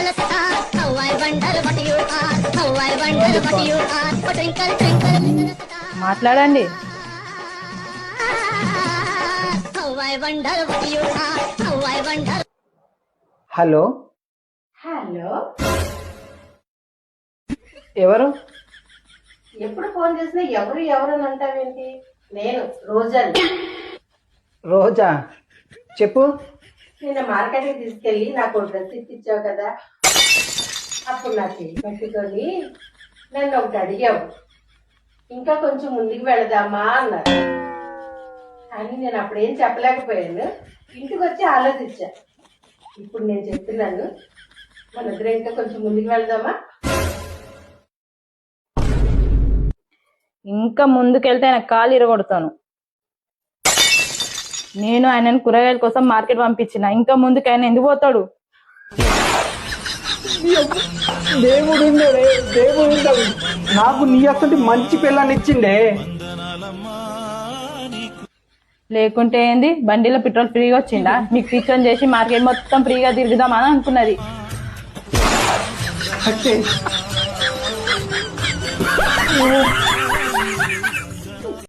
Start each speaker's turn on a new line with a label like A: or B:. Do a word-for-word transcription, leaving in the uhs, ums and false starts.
A: మాట్లాడండి.
B: Hello
C: hello,
B: ఎవరు?
C: ఎప్పుడు ఫోన్ చేసినా ఎవరు ఎవరు అని అంటావేంటి? నేను రోజాని.
B: రోజా, చెప్పు.
C: నిన్న మార్కెట్కి తీసుకెళ్ళి నాకు డ్రెస్ ఇప్పించావు కదా, అప్పుడు నా చెయ్యి పట్టుకొని నన్ను ఒకటి అడిగావు, ఇంకా కొంచెం ముందుకు వెళదామా అన్నారు. కానీ నేను అప్పుడేం చెప్పలేకపోయాను. ఇంటికి వచ్చి ఆలోచించా. ఇప్పుడు నేను చెప్తున్నాను, మన ఇద్దరం ఇంకా కొంచెం ముందుకు వెళదామా?
A: ఇంకా ముందుకెళ్తే ఆయన కాలు ఇరగొడతాను. నేను ఆయనను కూరగాయల కోసం మార్కెట్ పంపించిన, ఇంకా ముందుకు ఆయన ఎందుకు పోతాడు?
B: దేవుడు ఉన్నాడే, దేవుడు ఉన్నాడు. నాకు నీ అసలు మంచి పిల్లని ఇచ్చిండే.
A: లేకుంటే ఏంది, బండిలో పెట్రోల్ ఫ్రీగా వచ్చిందా? మీకు టీచర్ చేసి మార్కెట్ మొత్తం ఫ్రీగా తిరుగుదామని అనుకున్నది.
B: అంటే